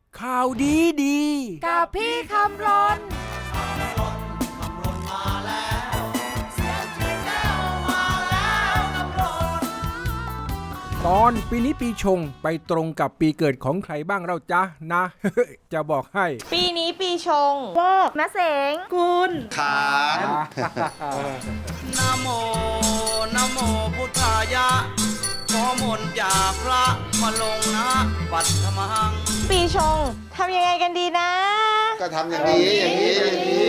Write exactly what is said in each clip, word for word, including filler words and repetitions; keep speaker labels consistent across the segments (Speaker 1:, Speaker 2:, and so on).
Speaker 1: ข่าวดีดี
Speaker 2: กับพี่คำรน
Speaker 1: ตอนปีนี้ปีชงไปตรงกับปีเกิดของใครบ้างเราจ๊ะนะ จะบอกให้
Speaker 2: ปีนี้ปีชงโวกมะเสงกุล
Speaker 3: ขานนะโมนะโมพุทธายะขอมนต์จากพระมาลงนะปัตถมัง
Speaker 2: ปีชงทำยังไงกันดีนะ
Speaker 3: ก็ทำอย่างนี้อย่างนี้อย่างนี้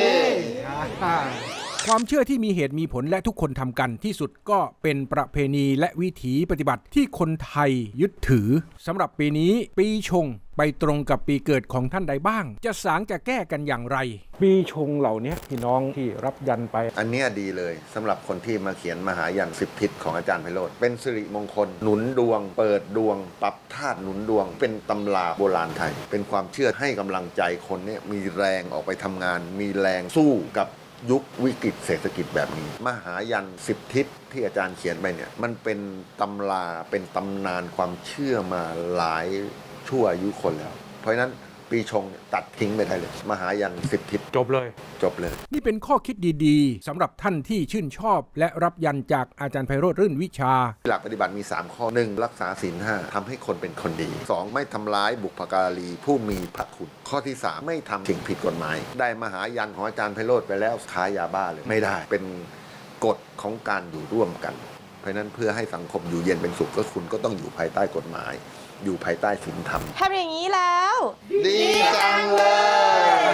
Speaker 1: ความเชื่อที่มีเหตุมีผลและทุกคนทำกันที่สุดก็เป็นประเพณีและวิถีปฏิบัติที่คนไทยยึดถือสำหรับปีนี้ปีชงไปตรงกับปีเกิดของท่านใดบ้างจะสางจะแก้กันอย่างไรปีชงเหล่านี้พี่น้องที่รับยันไป
Speaker 4: อันนี้ดีเลยสำหรับคนที่มาเขียนมหายันสิบทิศของอาจารย์ไพโรจน์เป็นสิริมงคลหนุนดวงเปิดดวงปรับธาตุหนุนดวงเป็นตำราโบราณไทยเป็นความเชื่อให้กำลังใจคนเนี่ยมีแรงออกไปทำงานมีแรงสู้กับยุควิกฤตเศรษฐกิจแบบนี้มหายันสิบทิศที่อาจารย์เขียนไปเนี่ยมันเป็นตำราเป็นตำนานความเชื่อมาหลายชั่วอายุคนแล้วเพราะฉะนั้นปีชงตัดทิ้งไปได้เลยมหายันสิบทิศ
Speaker 1: จบเลย
Speaker 4: จบเลย
Speaker 1: นี่เป็นข้อคิดดีๆสำหรับท่านที่ชื่นชอบและรับยันจากอาจารย์ไพโรจน์รื่นวิชา
Speaker 4: หลักปฏิบัติมีสามข้อหนึ่งรักษาศีลห้าทำให้คนเป็นคนดีสองไม่ทำร้ายบุพการีผู้มีพระคุณข้อที่สามไม่ทำสิ่งผิดกฎหมายได้มหายันของอาจารย์ไพโรจน์ไปแล้วค้ายาบ้าเลยไม่ได้เป็นกฎของการอยู่ร่วมกันเพราะนั้นเพื่อให้สังคมอยู่เย็นเป็นสุขก็คุณก็ต้องอยู่ภายใต้กฎหมายอยู่ภายใต้ศีลธรรม
Speaker 2: ทำอย่างนี้แล้ว
Speaker 4: ดีจังเลย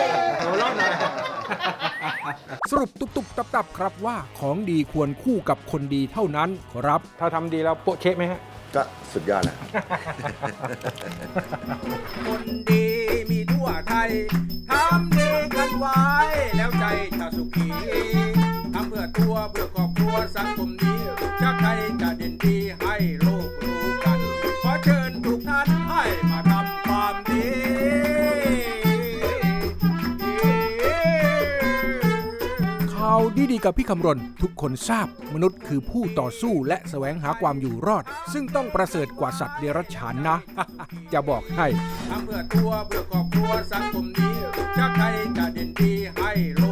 Speaker 1: สรุปตุบๆตับๆครับว่าของดีควรคู่กับคนดีเท่านั้นครับถ้าทำดีแล้วโปะเช๊ะไหมฮะ
Speaker 4: ก็สุดยอดแล้ว
Speaker 1: คนดีมีทั่วไทยทำดีกันไว้แล้วใจจะสุขีทำเพื่อตัวเพื่อครอบครัวสังคมนี้ชาติไทยจะเด่นดีให้โลกรู้กันขอเชิญทุกท่านให้มาทำความดีข่าวดีๆกับพี่คำรณทุกคนทราบมนุษย์คือผู้ต่อสู้และแสวงหาความอยู่รอดซึ่งต้องประเสริฐกว่าสัตว์เดรัจฉานนะ จะบอกให้ทำเพื่อตัวเพื่อครอบครัวสังคมนี้ชาติไทยจะเด่นดีให้โล